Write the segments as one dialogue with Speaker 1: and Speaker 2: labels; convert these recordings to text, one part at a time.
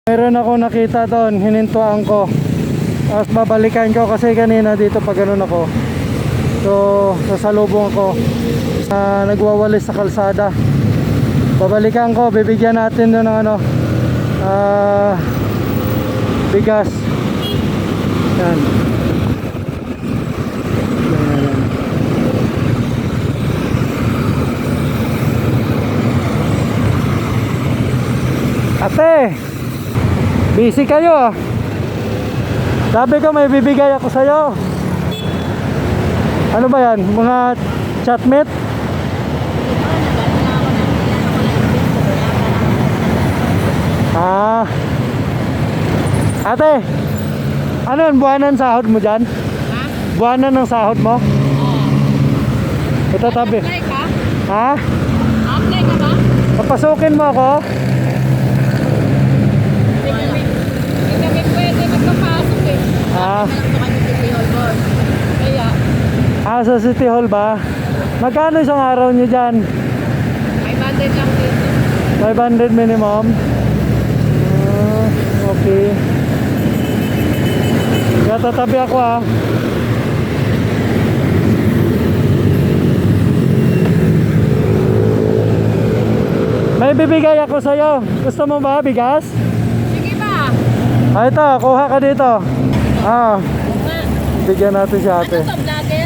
Speaker 1: Meron ako nakita doon, hinintuan ko. Tapos babalikan ko kasi kanina dito pag ganun ako. So, sasalubong ako. Nagwawalis sa kalsada. Babalikan ko, bibigyan natin doon ng ano, bigas. Yan. Ate, busy kayo ah. Sabi ko may bibigay ako sa'yo. Ano ba yan? Mga chatmate? Ah. Ate, ano yun? Buwanan sahod mo dyan?
Speaker 2: Ha?
Speaker 1: Buwanan ng sahod mo?
Speaker 2: Oo.
Speaker 1: Ito tabi.
Speaker 2: Apply ka?
Speaker 1: Ha?
Speaker 2: Apply ka ba?
Speaker 1: Papasukin mo ako?
Speaker 2: Hindi kami pwede magpapasok eh.
Speaker 1: Ah.
Speaker 2: Malak kami sa City Hall boss. Kaya,
Speaker 1: Sa City Hall ba? Magkano isang araw nyo dyan?
Speaker 2: 500 lang dito.
Speaker 1: 500 minimum? Okay. Kaya tatabi ako ah. May bibigay ako sa'yo. Gusto mo ba bigas?
Speaker 2: Sige ba?
Speaker 1: Ito, kuha ka dito.
Speaker 2: Nga.
Speaker 1: Bigyan natin si ate.
Speaker 2: Ano to, vlogger?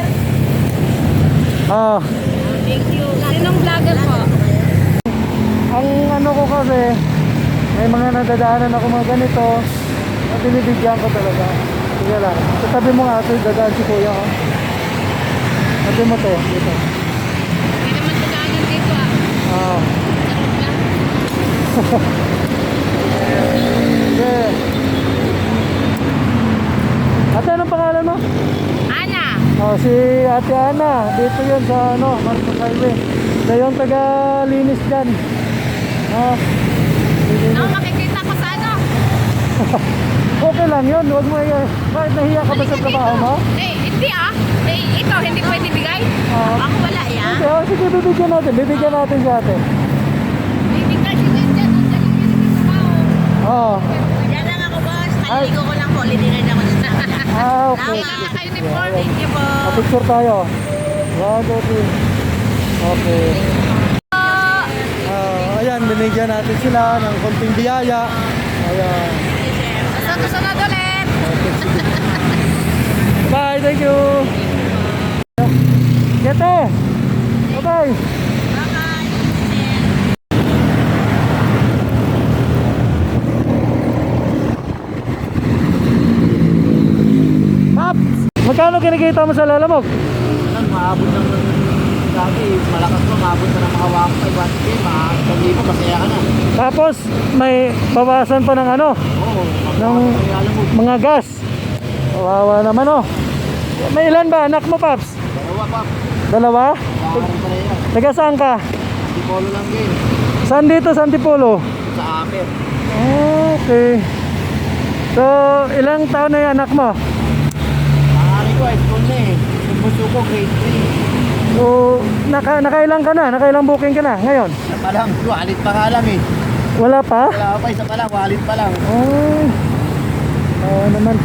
Speaker 2: Thank you. Sinong vlogger po?
Speaker 1: Ang ano ko kasi, may mga nadadaanan ako mga ganito at binibigyan ko talaga. Sige lang. Tatabi mo nga ito, dadaan si kuya. Ate mo to, dito.
Speaker 2: Hindi naman dadaanan dito ah.
Speaker 1: Sige. Ate, anong pangalan mo?
Speaker 2: Ana!
Speaker 1: Si Ate Ana. Dito yun sa ano, Marcos Highway. Siya yung taga-linis dyan.
Speaker 2: Ako makikita ko sa ano?
Speaker 1: Okay lang yun. Huwag mo bakit nahiya ka ba sa trabaho mo?
Speaker 2: Hindi ah. Ito, hindi pwede bigay. Ako wala yan.
Speaker 1: Okay, sige, bibigyan natin. Bibigyan natin si ate.
Speaker 2: Bibigay si Vincent. Ang galing yun yung trabaho. Yan lang ako boss. Kaliligo ko lang po. Linirin ako na.
Speaker 1: Okay.
Speaker 2: Naka-uniform. Thank you po.
Speaker 1: Picture tayo. 1, 2, 3. Okay. Ayan, binigyan natin sila ng konting biyaya. Ayan.
Speaker 2: Sunod ulit.
Speaker 1: Bye, thank you. Kete. Bye-bye. Paps, magkano kinikita mo sa lalamog?
Speaker 3: Maabot ng dati, malakas mo, maabot na ng mga 1,500, mga 1,000, masaya ka na.
Speaker 1: Tapos may bawasan pa ng ano,
Speaker 3: Oo,
Speaker 1: ng mga gas. Kawawa naman oh. May ilan ba anak mo, Paps?
Speaker 3: dalawa pa,
Speaker 1: Dalawa?
Speaker 3: kakaroon pa na yan.
Speaker 1: Taga saan ka?
Speaker 3: Di polo lang din,
Speaker 1: Saan dito, sa Antipolo?
Speaker 3: sa amin.
Speaker 1: Okay. So, ilang taon na yung anak mo?
Speaker 3: Maaari ko, school na eh. Yung bunso ko, grade 3.
Speaker 1: So, nakailang ka na? Nakailang booking ka na ngayon?
Speaker 3: Isa pa lang, walit pa nga lang eh.
Speaker 1: Wala pa?
Speaker 3: Wala pa, isa pa lang, walit pa lang.
Speaker 1: Naman.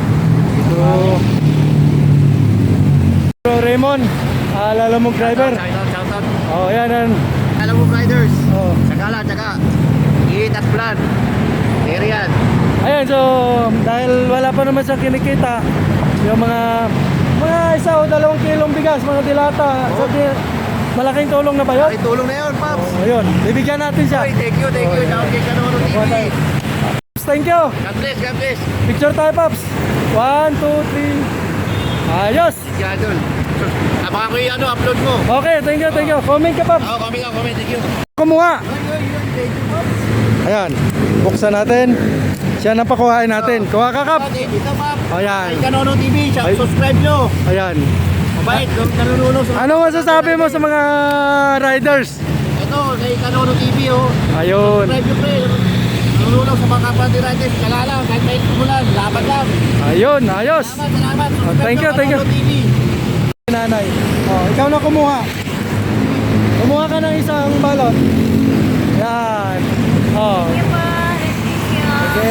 Speaker 1: So, Raymond, lalamog driver.
Speaker 3: Shout out.
Speaker 1: Yan.
Speaker 3: Alam mo, riders.
Speaker 1: Oh.
Speaker 3: Tsaka, Eat at plan. Arian.
Speaker 1: Ayan, so dahil wala pa naman siyang kinikita, yung mga 1 o 2 kilong bigas, mga dilata, so, malaking tulong na ba yun?
Speaker 3: Ay, tulong na yun, Pops.
Speaker 1: Ayun, bibigyan natin siya.
Speaker 3: Ay, thank you. Shout kay Kanono TV.
Speaker 1: Paps, thank you.
Speaker 3: God bless.
Speaker 1: Picture tayo, Paps. 1, 2, 3. Ayos.
Speaker 3: Gadol. Abangan ko yung upload mo.
Speaker 1: Okay, thank you. Comment ka, Paps.
Speaker 3: Comment. Thank you.
Speaker 1: Kumuha.
Speaker 3: Thank you, Pops.
Speaker 1: Ayan, buksan natin. Siya na pakuhain natin. Kuha ka, Kap.
Speaker 3: Dito, Pops.
Speaker 1: Ayan.
Speaker 3: Kay Kanono TV.
Speaker 1: Ay.
Speaker 3: Subscribe nyo.
Speaker 1: Ayan.
Speaker 3: Mabait. Nanunulong sa...
Speaker 1: Ano masasabi mo sa mga riders?
Speaker 3: Ito, kay Kanono TV, oh.
Speaker 1: Ayun.
Speaker 3: Subscribe nyo, pre. Nanunulong sa mga kapatid riders. Kala lang, kahit may tumulan. Laban lang.
Speaker 1: Ayun, ayos.
Speaker 3: Salamat. Subscribe
Speaker 1: Thank you,
Speaker 3: nyo,
Speaker 1: thank you.
Speaker 3: Kanono TV.
Speaker 1: Nanay. Ikaw na kumuha. Kumuha ka ng isang balot. Yan.
Speaker 2: Thank you po. Thank you.
Speaker 1: Okay.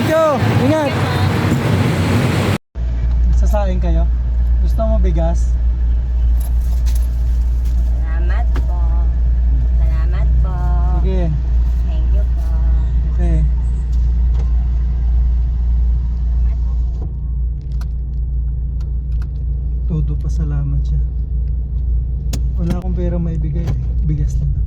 Speaker 1: you. Ingat. Sasain kayo? Gusto mo bigas?
Speaker 2: Salamat po. Salamat po.
Speaker 1: Sige.
Speaker 2: Thank you po.
Speaker 1: Okay. Todo pasalamat siya. Wala akong pera maibigay. Bigas na lang.